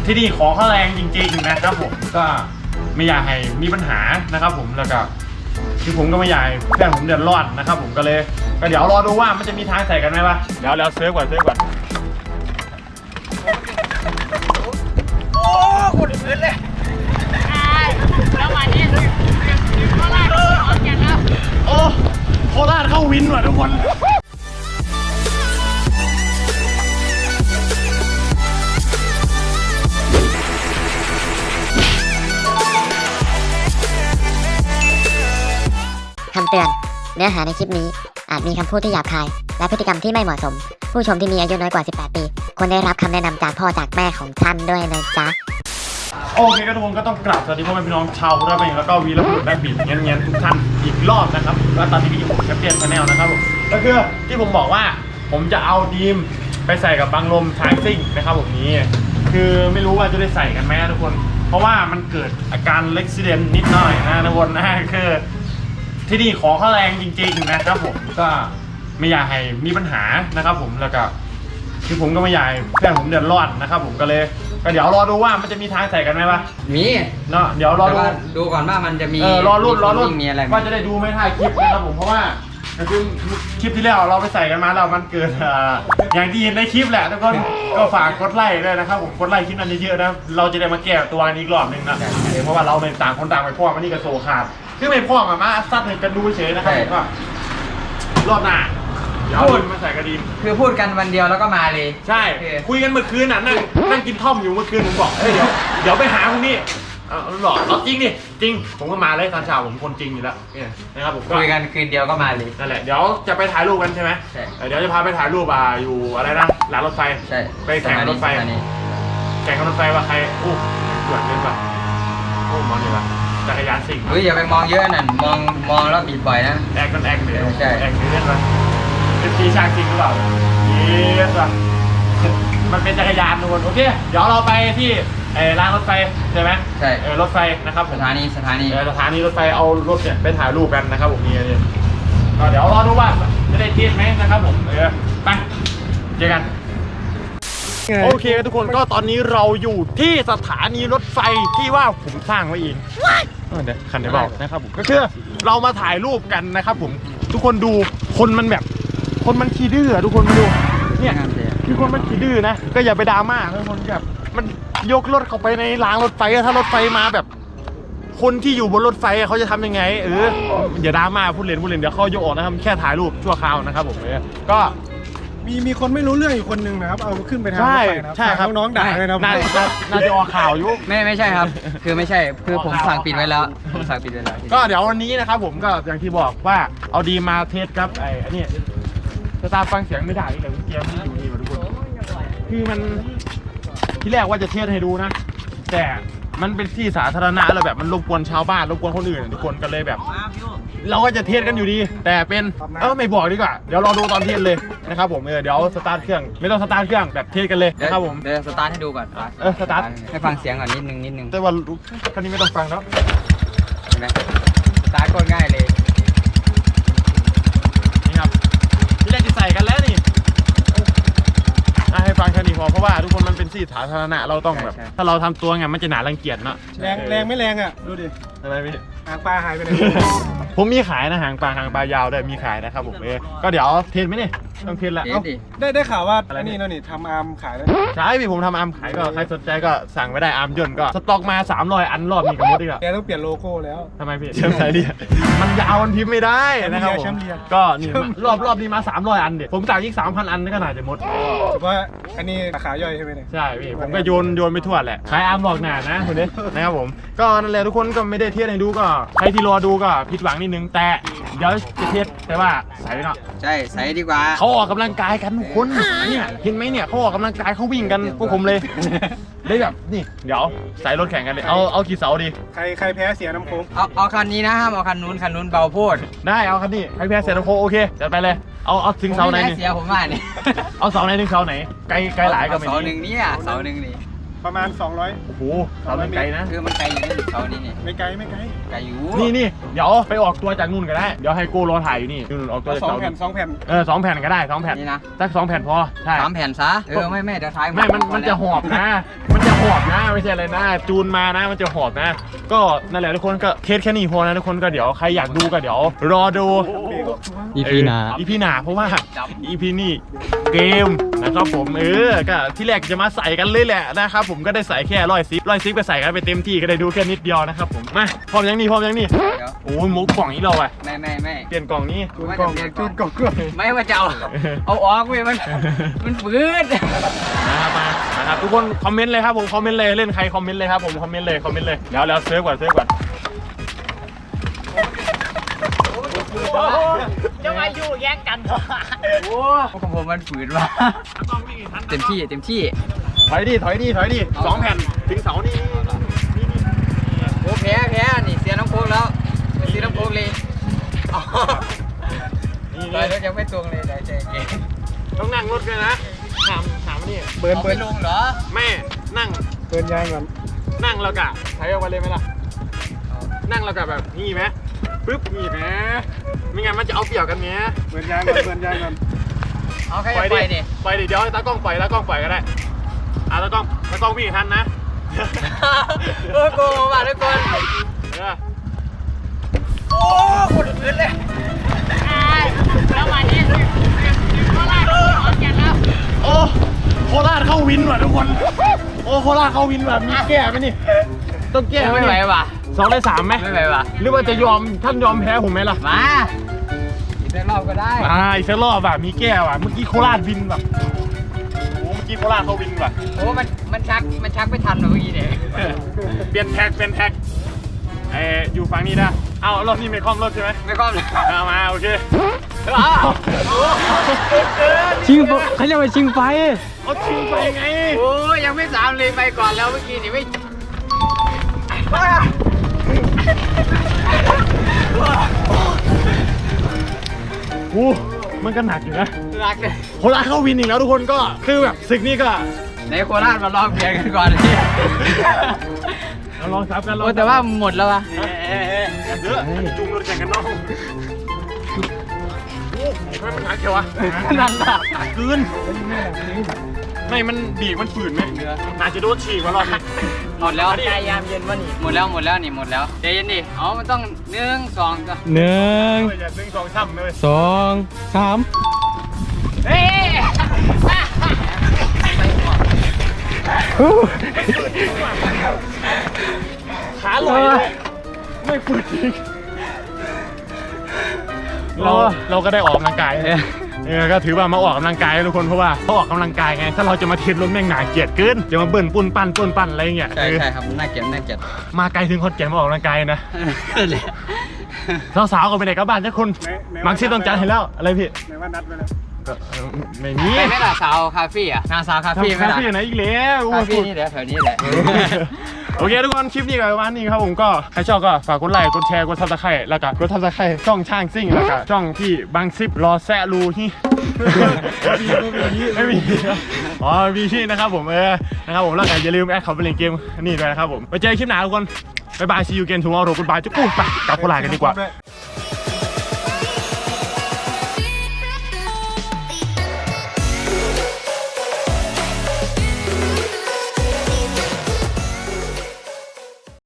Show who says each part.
Speaker 1: ที่นี่ของเขาแรงจริงๆนะครับผมก็ไม่อยากให้มีปัญหานะครับผมแล้วก็คือผมก็ไม่อยากให้เพื่อนผมเดือดร้อนนะครับผมก็เดี๋ยวรอดูว่ามันจะมีทางใส่กันไหมวะเดี๋ยวเซิร์ฟก่อนโอ้โหดพื้นเลย
Speaker 2: แล้ววันนี้โคราชขอนแก่นแล้ว
Speaker 1: โอ้โคราชเข้าวินว่ะทุกคน
Speaker 3: คำเตือนเนื้อหาในคลิปนี้อาจมีคำพูดที่หยาบคายและพฤติกรรมที่ไม่เหมาะสมผู้ชมที่มีอายุน้อยกว่า 18 ปีควรได้รับคำแนะนำจากพ่อจากแม่ของท่านด้วยนะจ๊ะ
Speaker 1: โอเคก็ทุกคนก็ต้องกราบสวัสดีพ่อแม่พี่น้องชาวโคราชเองแล้วก็วีรบุรุษและบีบเงี้ยทุกท่านอีกรอบนะครับแล้วตอนนี้ก็อยู่กับแชมเปี้ยนชาแนลนะครับผมก็คือที่ผมบอกว่าผมจะเอาดีมไปใส่กับบังลมช้างซิ่งนะครับผมนี้คือไม่รู้ว่าจะได้ใส่กันไหมทุกคนเพราะว่ามันเกิดอาการเล็กซิเดนนิดหน่อยนะทุกคนนะคือที่นี่ของเขาแรงจริงๆนะครับผมก็ไม่อยากให้มีปัญหานะครับผมแล้วก็คือผมก็ไม่อยากให้เพื่อนผมเดือดร้อนนะครับผมก็เดี๋ยวรอดูว่ามันจะมีทางใส่กันไหมวะ
Speaker 4: มี
Speaker 1: เนาะเดี๋ยวรอ
Speaker 4: ดูก่อนว่ามันจะมี
Speaker 1: รอรุ่น
Speaker 4: มีอะไร
Speaker 1: ว่าจะได้ดูไม่ถ่ายคลิปนะครับผมเพราะว่าคือคลิปที่แล้วเราไปใส่กันมาแล้วมันเกิดอย่างที่เห็นในคลิปแหละทุกคนก็ฝากกดไลค์ด้วยนะครับผมกดไลค์คลิปนั้นเยอะๆนะเราจะได้มาแก้ตัวกันอีกรอบนึงนะเพราะว่าเราในต่างคนต่างไปพ่อมันนี่ก็โซขาดคือไม่พ่อมาซัดให้กันดูเฉยนะครับก็รอบหน้าพูดมาใส่กระดิ่ง
Speaker 4: คือพูดกันวันเดียวแล้วก็มาเลย
Speaker 1: ใช่คุยกันเมื่อคืนน่ะนั่งกินท่อมอยู่เมื่อคืนผมบอกเดี๋ยวไปหาพวกนี้มันบอกเอาจริงดิจริงผมก็มาเลยตอนเช้าผมคนจริงอยู่แล้วนะครับผม
Speaker 4: คุยกันคืนเดียวก็มาเลย
Speaker 1: นั่นแหละเดี๋ยวจะไปถ่ายรูปกันใช่ไหม
Speaker 4: ใช่
Speaker 1: เดี๋ยวจะพาไปถ่ายรูปอยู่อะไรนะหลังรถไฟ
Speaker 4: ใช่
Speaker 1: ไปแข่งรถไฟแข่งรถไฟว่าใครอู้สวยเกินป่ะโอ้มองเลยป่ะจักรยานสิ่ง
Speaker 4: อย่าไปมองเยอะนั่นมองแล้วบีบบ่อยนะ
Speaker 1: แอคกันแอคเลย
Speaker 4: ใช่
Speaker 1: แอคเล่นป่ะเป็นทีช่างจริงหรือเปล่าเยสป่ะมันเป็นจักรยานทุกคนโอเคเดี๋ยวเราไปที่รางรถไฟใช่ไหม
Speaker 4: ใช่
Speaker 1: รถไฟนะครับ
Speaker 4: สถานี
Speaker 1: รถไฟเอารถเนี่ยไปถ่ายรูปกันนะครับผมนี่ก็เดี๋ยวรอดูว่าจะได้เทียบไหมนะครับผมไปเจอกันโอเคทุกคนก็ตอนนี้เราอยู่ที่สถานีรถไฟที่ว่าผมสร้างไว้เองเดี๋ยวคันไหนบอกนะครับผมก็คือเรามาถ่ายรูปกันนะครับผมทุกคนดูคนมันขี้ดื้อทุกคนมาดูเนี่ยคือคนมันขี้ดื้อนะก็อย่าไปดราม่าทุกคนแบบมันยกรถเข้าไปในรางรถไฟถ้ารถไฟมาแบบคนที่อยู่บนรถไฟเขาจะทำยังไงอย่าดราม่าพูดเล่นเดี๋ยวเขายกออกนะครับแค่ถ่ายรูปชั่วคราวนะครับผมก็
Speaker 5: มีคนไม่รู้เรื่องอยู่คนหนึ่งนะครับเอาขึ้นไปทางรถไฟนะ
Speaker 1: ใช่ครับ
Speaker 5: น้องๆด่าเลยนะ
Speaker 1: น่าจะออกข่าวอยู่
Speaker 4: ไม่ใช่ครับคือไม่ใช่คือผมสั่งปิดไว้แล้ว
Speaker 1: ก็เดี๋ยววันนี้นะครับผมก็อย่างที่บอกว่าเอาดีมาเทสครับอันนี้สตาร์ฟังเสียงไม่ได้เลยเกียร์ไม่อยู่นี่มาทุกคนคือมันที่แรกว่าจะเทสให้ดูนะแต่มันเป็นที่สาธารณะแล้วแบบมันรบกวนชาวบ้านรบกวนคนอื่นทุกคนกันเลยแบบเราก็จะเทสกันอยู่ดีแต่เป็นไม่บอกดีกว่าเดี๋ยวรอดูตอนเทสเลยนะครับผมเดี๋ยวสตาร์ทเครื่องไม่ต้องสตาร์ทเครื่องแบบเทสกันเลยนะครับผม
Speaker 4: เดี๋ยวสตาร์ทให้ดูก่อน
Speaker 1: สตาร์ท
Speaker 4: ให้ฟังเสียงก่อนนิดนึง
Speaker 1: แต่ว่าคันนี้ไม่ต้องฟังแล้ว
Speaker 4: เห็นไหมสตาร์ทก็ง่ายเลย
Speaker 1: นี่ครับที่แรกจะใส่กันแล้วนี่ให้ฟังแค่นี้พอเพราะว่าทุกคนมันเป็นที่สาธารณะเราต้องแบบถ้าเราทำตัวไงมันจะหนารังเกียจเนาะ
Speaker 5: แรงไม่แรงอ่ะดูดิ
Speaker 1: อะไรพี่
Speaker 5: หางปลาหายไปไหน
Speaker 1: ผมมีขายนะหางปลายาวได้มีขายนะครับผมก็เดี๋ยวเทรนไหมนี่ต้องเทรนแล้ว
Speaker 5: ได้ข่าวว่าอันนี้นี่ทำอาร์มขายแล้ว
Speaker 1: ใช่พี่ผมทำอาร์มขายก็ใครสนใจก็สั่งไว้ได้อาร์มย่นก็สต็อกมา300 อันรอบนี้กับมดอีกแล้ว
Speaker 5: แกต้องเปลี่ยนโลโก้แล้ว
Speaker 1: ทำไมพี่แชมป์ไทยดิมันยาวมันพิมพ์ไม่ได้นะครับผมก็นี่รอบนี้มา300 อันเด็ดผมสั่งอีก 3,000 อันก็น่าจะหมด
Speaker 5: ว่าอันนี้ราคาย่อยใช่ไหมเนี่ย
Speaker 1: ใช่พี่ผมก็โยนไปทั่วแหละขายอาร์มหลอกหนานะคนนี้นะครับผมก็นั่นแหละทุกคนก็ไม่ได้เทียบให้ดูก็ใครที่รอดูก็ผิดหวังนิดนึงแต่เดี๋ยวจะเทียบแต่ว่าใส่เนาะ
Speaker 4: ใช่ใส่ดีกว่า
Speaker 1: เขาออกกำลังกายกันทุกคนเนี่ยเห็นไหมเนี่ยเขาออกกำลังกายเขาวิ่งกันพวกผมเลยได้แบบนี่เดี๋ยวใส่รถแข่งกันเลยเอากี่เสาดี
Speaker 5: ใครแพ้เสียน้ำโค้ง
Speaker 4: เอาคันนี้นะห้ามเอาคันนู้นเบาโพด
Speaker 1: ได้เอาคันนี้ใครแพ้เสียน้ำโค้งโอเคจัดไปเลยเอาถึงเสาไหน
Speaker 4: เสียผมว่านี่
Speaker 1: เอาเสาไหนถึงเสาไหนไกลหลายก็ไม่
Speaker 4: เสาหนึ่งนี่เสาหนึ่งนี่
Speaker 5: ประมาณ200
Speaker 1: โอ้โหเสาไกลนะ
Speaker 4: คือมันไกลอยู่นี่เสานี้นี่
Speaker 5: ไม่ไกล
Speaker 4: ไกลอยู่
Speaker 1: นี่เดี๋ยวไปออกตัวจากนู่นก็ได้เดี๋ยวให้โก้รอถ่ายอยู่นี่นู่นออกตัวจากเสา
Speaker 5: 2 แผ่น
Speaker 1: 2 แผ่นก็ได้2 แผ่น
Speaker 4: นี่นะ
Speaker 1: สัก2 แผ่นพอใช่
Speaker 4: 3 แผ่นซะไม่เดี๋ยวท้าย
Speaker 1: มันจะหอบนะมันจะหหอบนะไม่ใช่อะไรนะจูนมานะมันจะหอบนะก็นั่นแหละทุกคนก็เทสแค่นี้พอนะทุกคนก็เดี๋ยวใครอยากดูก็เดี๋ยวรอดู
Speaker 6: EP หน้า
Speaker 1: EP หน้าเพราะว่า EP นี่เกมนะครับผมก็ที่แรกจะมาใส่กันเลยแหละนะครับผมก็ได้ใส่แค่110ก็ใส่กันไปเต็มที่ก็ได้ดูแค่นิดเดียวนะครับผมมาพร้อมยังนี่โอ้ยมุกกล่องนี้เราไป
Speaker 4: ไม่
Speaker 1: เปลี่ยนกล่องนี้
Speaker 5: จูนกล่องเครื่อง
Speaker 4: ไม่ว่าจะเอาออกเว้ยมันฝืด
Speaker 1: นะครับทุกคนคอมเมนต์เลยครับผมคอมเมนต์เลยเล่นใครคอมเมนต์เลยครับผมคอมเมนต์เลยแล้วเซิร์ฟก่อน
Speaker 2: จะมาอยู่แย่งกัน
Speaker 4: โอ้ของผมมันฝืดว่ะเต็มที่
Speaker 1: ถอยดิ2 แผ่นถึงเสานี่
Speaker 4: โอ้แพ้นี่เสียน้ำโค้งแล้วเสียน้ำโค้งเลยไปแล้วยังไม่ตรงเลยได้ใจเก่ง
Speaker 1: ต้องนั่งรถเลยนะถามนี่
Speaker 5: เบิร์น
Speaker 4: ไม่ลงเหรอ
Speaker 1: แม่นั่ง
Speaker 5: เบิร์นยางก่อน
Speaker 1: นั่งแล้วกะใช้เอาไว้เลยไหมล่ะนั่งแล้วกะแบบนี่ไหมปึ๊บนี่ไหมไม่งั้นมันจะเอาเปรียบกันเนี้ย
Speaker 5: เบิร์นยางก่อน
Speaker 4: เอาใคร
Speaker 1: ปล่อย
Speaker 4: ไป
Speaker 1: ดิ
Speaker 4: ดิ
Speaker 1: ปล่อยดิเดี๋ยวให้ตากล้องปล่อยก็ได้ตากล้องวิ่งทันนะ
Speaker 4: โกงมาทุกคนโอ้คนอื่นเลย
Speaker 2: แล้ววันนี้โคราชขอนแก่นแล้ว
Speaker 1: โอ้โคราชเข้าวินว่ะทุกคนโอ้โคราชเข้าวินว่ะมีแก้ไหมนี่ต้องแก้
Speaker 4: ไม่ไหวว่ะ
Speaker 1: 2 ได้ 3ไหม
Speaker 4: ไม่ไหวว่ะ
Speaker 1: หรือว่าจะท่านยอมแพ้ผมไหมล่ะ
Speaker 4: มาอีกสักรอบก็ได้
Speaker 1: อีกสักรอบมีแก้ว่ะเมื่อกี้โคราชวินว่ะโอ้เมื่อกี้โคราชเขาวินว่ะ
Speaker 4: โอ้มันชักไม่ทันหรอเมื่อกี้เนี่ย
Speaker 1: เปลี่ยนแท็กอยู่ฝั่งนี้นะเอารถนี่ไม่คล่อมรถใช่ไหม
Speaker 4: ไม่ก้อมเลย
Speaker 1: เอามาโอเค
Speaker 6: ชิงเขาเรียกว่าชิงไฟ
Speaker 1: เอาทิ้งไปไง
Speaker 4: โอ้ยังไม่3เลยไปก่อนแล้วเมื่อกี้นี่ไม่
Speaker 1: โอ้มันก็หนักอยู่นะ
Speaker 4: รักเลย
Speaker 1: โคราชเข้าวินอีกแล้วทุกคนก็คือแบบศึกนี้ก็
Speaker 4: ในโคราชมาลองเปลี่ยนกันก่อน
Speaker 1: เราลองซับกัน
Speaker 4: โอ้แต่ว่าหมดแล้ววะ
Speaker 1: เยอะจุ่มรถแข่งกันน้องโอ้ไม่มันหนักเชียววะ
Speaker 4: นั่นแหละ
Speaker 1: หนักเกินไม่มันดีมันฝืนไหมอาจจะโดนฉีกว่ารอบนี้
Speaker 4: หมดแล้ว
Speaker 1: พยายามเย็นวะนี่
Speaker 4: หมดแล้วนี่หมดแล้วใจเย็นดิอ๋อมันต้อง1 2ก็
Speaker 6: 1
Speaker 1: อย่าดึง2 ช่ำเลย
Speaker 6: 2 3
Speaker 2: เฮ้ย
Speaker 1: ขาลอยเลยไม่ฝืนจริงเราก็ได้ออกกำลังกายก็ถือว่ามาออกกำลังกายทุกคนเพราะว่าเขาออกกำลังกายไงถ้าเราจะมาเทรนรถแม่งหนาเกลียดเกินจะมาเบิ่นปุ่นปั้นอะไรเงี้ย
Speaker 4: ใช่ครับน่าเกลียด
Speaker 1: มาไกลถึงคนแก่มาออกกำลังกายนะสาวๆก็ไปไหนกับบ้านทุกคนมังซี่ต้องจัดให้แล้วอะไรพี่
Speaker 5: ไหนว่านัดไปแล้ว
Speaker 1: ไม่มี
Speaker 4: ไปไม่ล่ะสาวคาเฟ่อะงานสาวคาเฟ่ไม่ล่ะ
Speaker 1: คาเฟ่ไหนอีกแล้ว
Speaker 4: คาเฟ่นี่แหละแถวนี้แหละ
Speaker 1: โอเคทุกคนคลิปนี้ก็ประมาณนี้ครับผมก็ใครชอบก็ฝากกดไลค์กดแชร์กดซับสไครต์แล้วก็กดซับสไครต์ช่องช่างซิ่งแล้วก็ช่องที่บางซิปรอแซะรูที่ไม่มีอ๋อมีที่นะครับผมนะครับผมแล้วก็อย่าลืมแอดเขาไปเล่นเกมนี่ด้วยนะครับผมไปเจอคลิปหน้าทุกคนบ๊ายบาย see you again tomorrow goodbye จุ๊บปุ๊บไปกลับโคราชกันดีกว่า